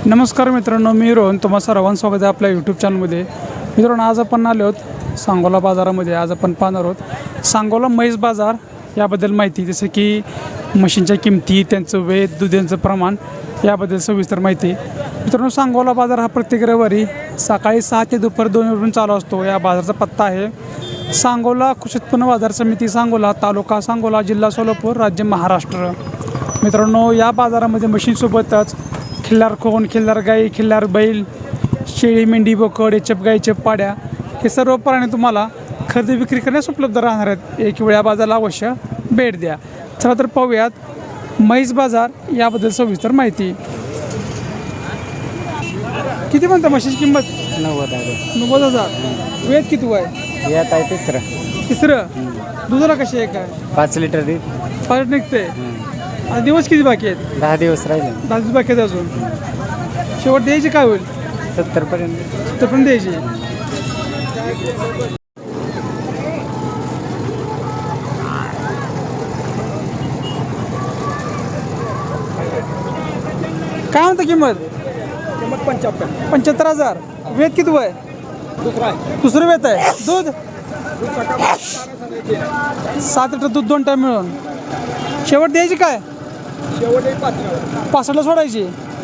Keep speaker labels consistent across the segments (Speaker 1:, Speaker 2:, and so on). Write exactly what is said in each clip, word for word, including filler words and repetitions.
Speaker 1: नमस्कार मित्रांनो, मी रोहन. तुम्हा सर्वांचं स्वागत आहे आपल्या यूट्यूब चॅनलमध्ये. मित्रांनो, आज आपण आलो आहोत सांगोला बाजारामध्ये. आज आपण पाहणार आहोत सांगोला म्हैस बाजार याबद्दल माहिती, जसं की म्हशींच्या किमती, त्यांचं वेत, दुधाचं प्रमाण याबद्दल सविस्तर माहिती. मित्रांनो, सांगोला बाजार हा प्रत्येक रविवारी सकाळी सहा ते दुपार दोन वाजून चालू असतो. या बाजाराचा पत्ता आहे सांगोला कृषी उत्पन्न बाजार समिती, सांगोला, तालुका सांगोला, जिल्हा सोलापूर, राज्य महाराष्ट्र. मित्रांनो, या बाजारामध्ये म्हशींसोबतच खिल्लार खोन, खिल्लार गाई, खिल्लार बैल, शेळी, मेंढी, बोकड, एचप गाई, एचप पाड्या हे सर्व प्राणी तुम्हाला खरेदी विक्री करण्यास उपलब्ध राहणार आहेत. एक वेळ या बाजाराला अवश्य भेट द्या. चला तर पाहूयात म्हैस बाजार याबद्दल सविस्तर माहिती. किती म्हणता म्हशीची किंमत?
Speaker 2: नव्वद आहे.
Speaker 1: नव्वद हजार. वेद किती आहे?
Speaker 2: यात आहे तिसरं.
Speaker 1: तिसरं. दुधाला कशी आहे? काय
Speaker 2: पाच लिटर दूध.
Speaker 1: पाच निघते. आणि दिवस किती बाकी आहेत?
Speaker 2: दहा दिवस राहिले.
Speaker 1: दहा दिवस बाकी आहेत अजून. शेवट द्यायची काय होईल?
Speaker 2: सत्तर पर्यंत.
Speaker 1: सत्तर पर्यंत द्यायची. काय म्हणता किंमत?
Speaker 3: किंमत पंच्याहत्तर.
Speaker 1: पंच्याहत्तर हजार. वेद किती आहे?
Speaker 3: दुसरा आहे.
Speaker 1: दुसरं वेत आहे. दूध
Speaker 3: दूध सकाळ
Speaker 1: सात लिटर दूध दोन टाईम मिळून. शेवट द्यायची काय?
Speaker 3: शेवट एक पाच.
Speaker 1: पासष्टला सोडायची.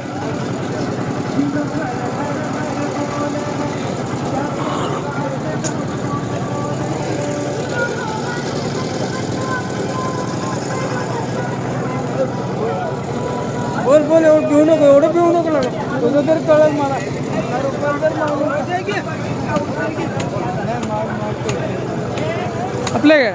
Speaker 1: बोल बोल, एवढं पिऊ नको, एवढं पिऊ नको लागलं. तुझं तरी कळलं मला. आपले काय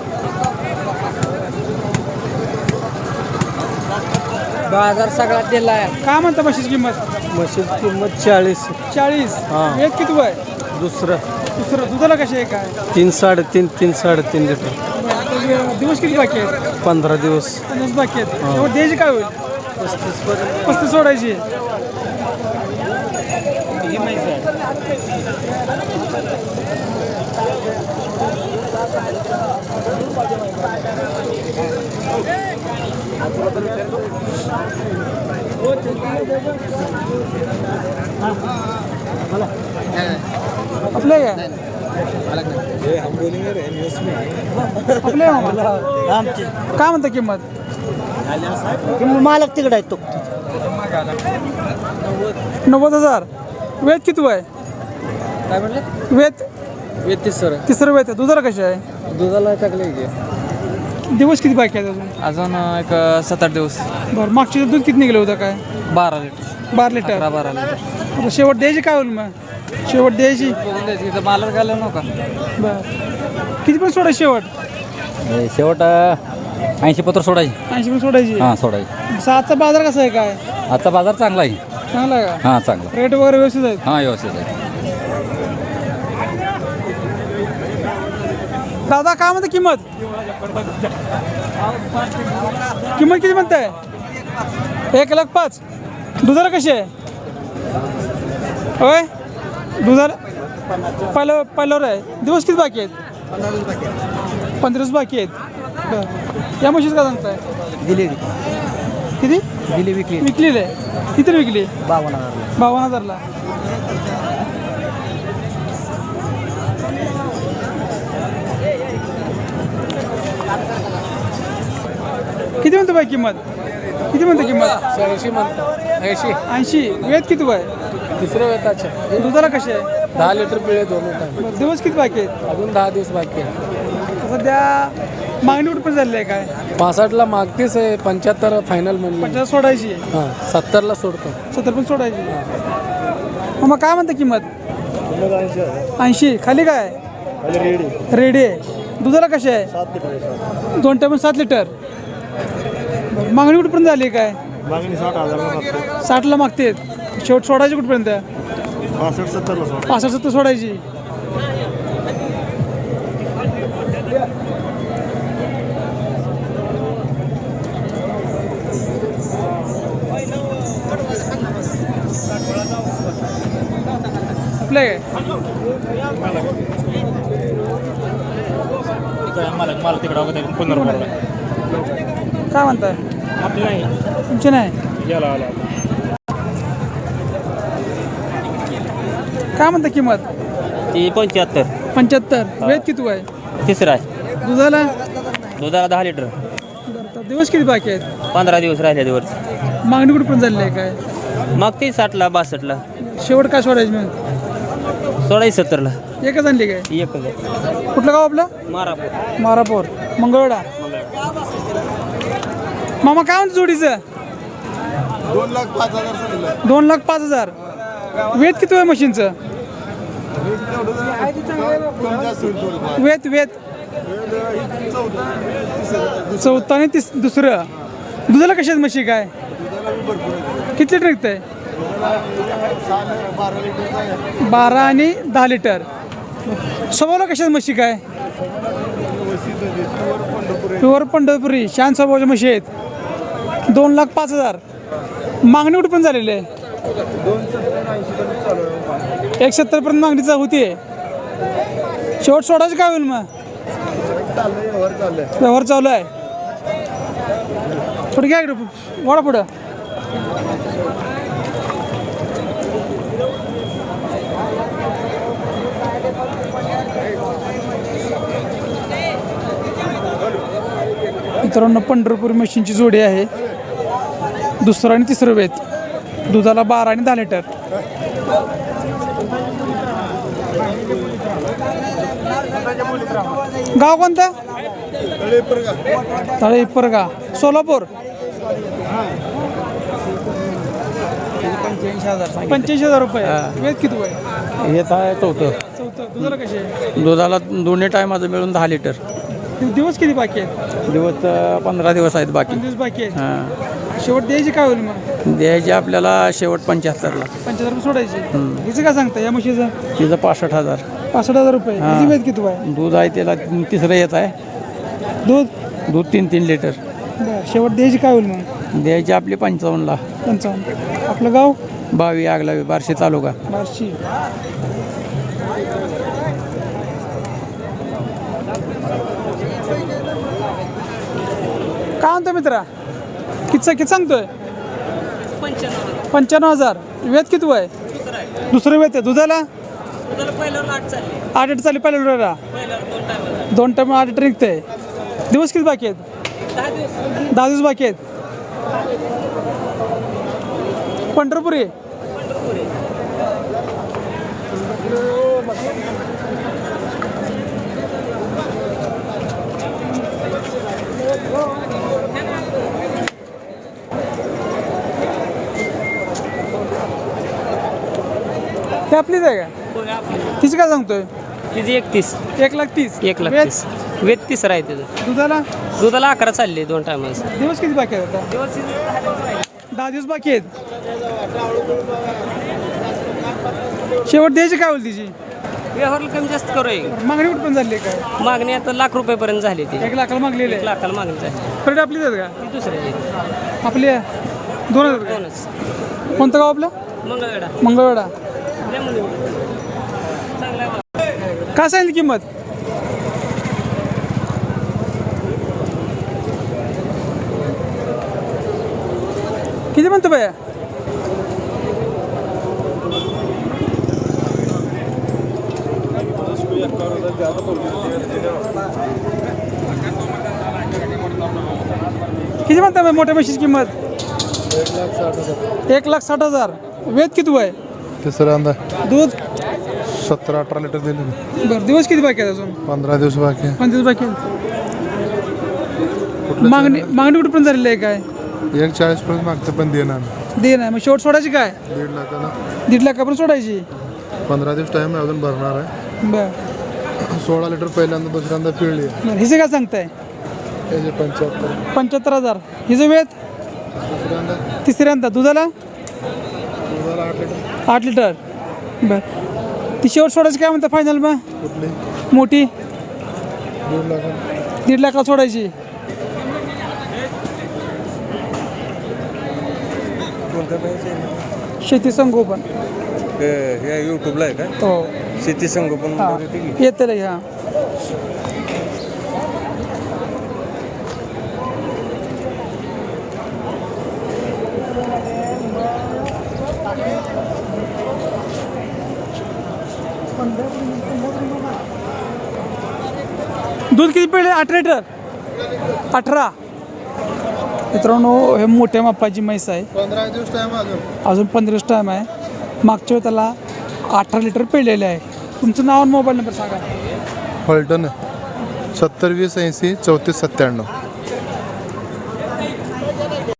Speaker 2: बाजार सगळा दिला आहे.
Speaker 1: काय म्हणता म्हशीची किंमत?
Speaker 2: म्हशीची किंमत चाळीस.
Speaker 1: चाळीस.
Speaker 2: हां.
Speaker 1: एक किती आहे?
Speaker 2: दुसरं
Speaker 1: दुसरं. दुधाला कशी आहे? काय
Speaker 2: तीन साडेतीन तीन साडेतीन लिटर.
Speaker 1: दिवस किती बाकी आहेत?
Speaker 2: पंधरा दिवस.
Speaker 1: दिवस बाकी आहेत. तेव्हा द्यायची काय होईल?
Speaker 2: पस्तीस पर्यंत.
Speaker 1: पस्तीस सोडायची. आपले काय आपले काय म्हणता किंमत?
Speaker 2: मालक तिकडे आहे तो.
Speaker 1: नव्वद हजार. वेत किती आहे?
Speaker 2: काय म्हणलं?
Speaker 1: वेत
Speaker 2: वेत तिसरं.
Speaker 1: तिसरं वेत आहे. दुधाला कशी आहे?
Speaker 2: दुधाला टाकले की
Speaker 1: दिवस किती बाकी आहेत अजून?
Speaker 2: अजून एक सात आठ दिवस.
Speaker 1: बरं, मागच्या दूध किती निघलं होतं? काय
Speaker 2: बारा लिटर.
Speaker 1: बारा लिटर.
Speaker 2: बारा लिटर.
Speaker 1: आता शेवट द्यायची काय होईल मग? शेवट द्यायची.
Speaker 2: इथं मालक घालू नका.
Speaker 1: बरं, किती पण सोडायची शेवट?
Speaker 4: शेवट ऐंशी पत्र सोडायची.
Speaker 1: ऐंशी पण सोडायची.
Speaker 4: हां सोडायची.
Speaker 1: सातचा बाजार कसा आहे? काय
Speaker 4: आजचा बाजार चांगला आहे.
Speaker 1: चांगला आहे का?
Speaker 4: हां चांगला.
Speaker 1: रेट वगैरे व्यवस्थित आहेत?
Speaker 4: हां व्यवस्थित आहे.
Speaker 1: दादा काय म्हणते किंमत? किंमत किती म्हणताय? एक लाख पाच. दुधाला कशी आहे? होय, दुधाला पहिलं पहिल्यावर आहे. दिवस किती बाकी आहेत? पंधरा दिवस बाकी आहेत. बरं, या म्हशीच का सांगताय?
Speaker 2: दिली
Speaker 1: किती
Speaker 2: दिली विकली.
Speaker 1: विकलेली आहे? किती विकली?
Speaker 2: बावन्न हजार.
Speaker 1: बावन्न हजारला. किती म्हणतो बाई किंमत? किती म्हणतो किंमत?
Speaker 2: ऐंशी म्हणतो. ऐंशी.
Speaker 1: ऐंशी. वेत किती आहे?
Speaker 2: तिसरं वेताचे.
Speaker 1: दुधाला कसे आहे?
Speaker 2: दहा लिटर पिळे दोन टाइम.
Speaker 1: बरं, दिवस किती बाकी आहेत?
Speaker 2: अजून दहा दिवस बाकी आहे.
Speaker 1: सध्या मागणी कुठं पण झाली आहे? काय
Speaker 2: पासष्टला मागतेच आहे. पंच्याहत्तर फायनल म्हणलं.
Speaker 1: पचास सोडायची.
Speaker 2: हां सत्तरला सोडतो.
Speaker 1: सत्तर पण सोडायची. मग काय म्हणता किंमत? ऐंशी. खाली काय? रेडी आहे. दुधाला कसे आहे? दोन टाइम सात लिटर. बरं, मागणी कुठपर्यंत झाली? काय
Speaker 3: मागणी साठ हजार.
Speaker 1: साठला मागते. शेवट सोडायची कुठपर्यंत?
Speaker 3: पासष्ट सत्तरला सोड.
Speaker 1: पासष्ट सत्तर सोडायची. आपल्या काय
Speaker 5: मला मला तिकडं पुन्हा
Speaker 1: काय म्हणताय?
Speaker 5: आपलं नाही
Speaker 1: तुमचे नाही?
Speaker 5: याला आला
Speaker 1: काय म्हणता किंमत?
Speaker 5: ती पंच्याहत्तर.
Speaker 1: पंच्याहत्तर. वेद किती आहे?
Speaker 5: तिसरा आहे.
Speaker 1: दुधाला?
Speaker 5: दुधाला दहा लिटर.
Speaker 1: बरं, तर दिवस किती बाकी आहेत?
Speaker 5: पंधरा दिवस राहिले दिवस.
Speaker 1: मागणी कुठे पण झालेली आहे काय?
Speaker 5: मग ती साठला बासष्टला.
Speaker 1: शेवट काय सोडायची मग?
Speaker 5: सोळाशे सत्तरला.
Speaker 1: एकच आणली काय?
Speaker 5: एक
Speaker 1: कुठलं गाव आपलं?
Speaker 5: मारापूर.
Speaker 1: मारापूर मंगळवेढा. मामा काय म्हणतो जोडीचं?
Speaker 3: दोन लाख पाच हजार सांगितलं.
Speaker 1: दोन लाख पाच हजार. वेद किती आहे मशीनचं?
Speaker 3: कमी जास्त होईल थोडंफार.
Speaker 1: वेद वेद चौथा आणि तिस दुसरं. दुधाला कशात म्हशी काय? किती लिटर निघतंय?
Speaker 3: बारा लिटरचा आहे.
Speaker 1: बारा आणि दहा लिटर. स्वभावला कशात म्हशी काय? प्युअर पंढरपुरी शान स्वभावाच्या म्हशी आहेत. दोन लाख पाच हजार. मागणी कुठे पण झालेली आहे? एक सत्तर पर्यंत मागणीचा होती. शेवट सोडायचं काय होईल मग? व्यवहार चालू आहे. पुढे घ्या इकडं, वाढा पुढं. मित्रांनो पंढरपूर मशीनची जोडी आहे. दुसरं आणि तिसरं वेत. दुधाला बारा आणि दहा लिटर. गाव कोणतं? तळे इप्परगा सोलापूर. पंच्याऐंशी हजार रुपये. वेद किती आहे?
Speaker 2: येत आहे चौथं.
Speaker 1: चौथं. दुधाला कशी आहे?
Speaker 2: दुधाला दोन्ही टायमाचं मिळून दहा लिटर.
Speaker 1: दिवस किती बाकी आहेत?
Speaker 2: दिवस अं, पंधरा दिवस आहेत बाकी.
Speaker 1: दोन दिवस बाकी आहेत.
Speaker 2: हां
Speaker 1: शेवट द्यायची काय होईल मग?
Speaker 2: द्यायचे आपल्याला शेवट पंच्याहत्तरला.
Speaker 1: पंच्याहत्तर रुपये सोडायची. हिचं काय सांगता या म्हशीचं?
Speaker 2: तिचं पासष्ट हजार.
Speaker 1: पासष्ट हजार रुपये.
Speaker 2: हा.
Speaker 1: हिची वेद किती आहे?
Speaker 2: दूध आहे त्याला तिसरं येत आहे.
Speaker 1: दूध
Speaker 2: दूध तीन तीन लिटर.
Speaker 1: बरं. शेवट द्यायची काय होईल मग?
Speaker 2: द्यायचे आपले पंचावन्नला.
Speaker 1: पंचावन्न. आपलं गाव?
Speaker 2: बावी आगलावी बार्शी तालुका.
Speaker 1: बार्शी. काय म्हणतो मित्रा? किती किती सांगतोय? पंच्याण्णव हजार. वेद किती आहे? दुसरं वेद आहे. दुधाला आठ लिटर चालली पहिल्या लिटरला. दोन टाइम आठ लिटर निघतंय. दिवस किती बाकी आहेत? दहा दिवस बाकी आहेत. पंढरपुरी. ते आपलीच आहे का? तिची काय सांगतोय?
Speaker 5: तिची एकतीस.
Speaker 1: एक लाख तीस.
Speaker 5: एक लाख
Speaker 1: वेद?
Speaker 5: तीस. वेद तिसरा आहे तिथं.
Speaker 1: दुधाला
Speaker 5: दुधाला अकरा चालले दोन टायमाला.
Speaker 1: दिवस किती बाकी आहेत आता?
Speaker 5: दिवस
Speaker 1: दहा दिवस बाकी आहेत. शेवट द्यायची काय होईल तिची?
Speaker 5: व्यवहारला कमी जास्त करू आहे.
Speaker 1: मागणी कुठं पण झाली आहे काय?
Speaker 5: मागणी आता लाख रुपयेपर्यंत झाली ती.
Speaker 1: एक लाखाला मागलेली
Speaker 5: एक
Speaker 1: आहे.
Speaker 5: लाखाला मागणी झाली.
Speaker 1: परत आपलीच आहेत का?
Speaker 5: ती दुसरी आहे.
Speaker 1: आपली आहे. दोन आहेत का?
Speaker 5: दोनच.
Speaker 1: कोणतं गाव आपलं?
Speaker 5: मंगळवेढा.
Speaker 1: मंगळवेढा.
Speaker 5: चांगला आहे.
Speaker 1: काय सांगितली किंमत? किती म्हणतो बाया? किती म्हणता बाई मोठ्या म्हशीची किंमत? एक लाख साठ हजार. वेद किती आहे?
Speaker 3: तिसऱ्यांदा
Speaker 1: दूध
Speaker 3: सतरा अठरा लिटर दिले.
Speaker 1: बरं. दिवस किती बाकी आहेत अजून?
Speaker 3: पंधरा दिवस बाकी
Speaker 1: पंच दिवस बाकी आहेत. मागणी मागणी कुठे पण झालेली आहे काय?
Speaker 3: एक चाळीस पर्यंत मागते पण देणार
Speaker 1: दे नाही. मग शेवट सोडायची काय?
Speaker 3: दीड लाखाला.
Speaker 1: दीड लाखापर्यंत सोडायची.
Speaker 3: पंधरा दिवस टाइम आहे अजून भरणार आहे.
Speaker 1: बरं
Speaker 3: सोळा लिटर पहिल्यांदा दुसऱ्यांदा पिळली आहे.
Speaker 1: बरं. हिचं काय सांगताय?
Speaker 3: त्याचे पंच्याहत्तर.
Speaker 1: पंच्याहत्तर हजार. हिचं वेद?
Speaker 3: दुसऱ्यांदा
Speaker 1: तिसऱ्यांदा. दुधाला
Speaker 3: दुधाला आठ लिटर.
Speaker 1: आठ लिटर. बरं. ती शेवट सोडायची काय म्हणता फायनल मग?
Speaker 3: कुठली?
Speaker 1: मोठी
Speaker 3: दीड लाखाला.
Speaker 1: दीड लाखाला सोडायची. शेती संगोपन.
Speaker 2: हे यूट्यूबला आहे का?
Speaker 1: हो.
Speaker 2: शेती संगोपन
Speaker 1: हां येतं रे. हां दूध किती पिळे अठरा लिटर अठरा मित्रांनो हे मोठ्या मापाची म्हैस आहे
Speaker 3: पंधरा दिवस टाइम अजून
Speaker 1: अजून पंधरा दिवस टाईम आहे मागच्या वेळी त्याला अठरा लिटर पिळलेले आहे तुमचं नाव आणि मोबाईल नंबर सांगा
Speaker 3: फलटण सत्तर वीस ऐंशी चौतीस सत्त्याण्णव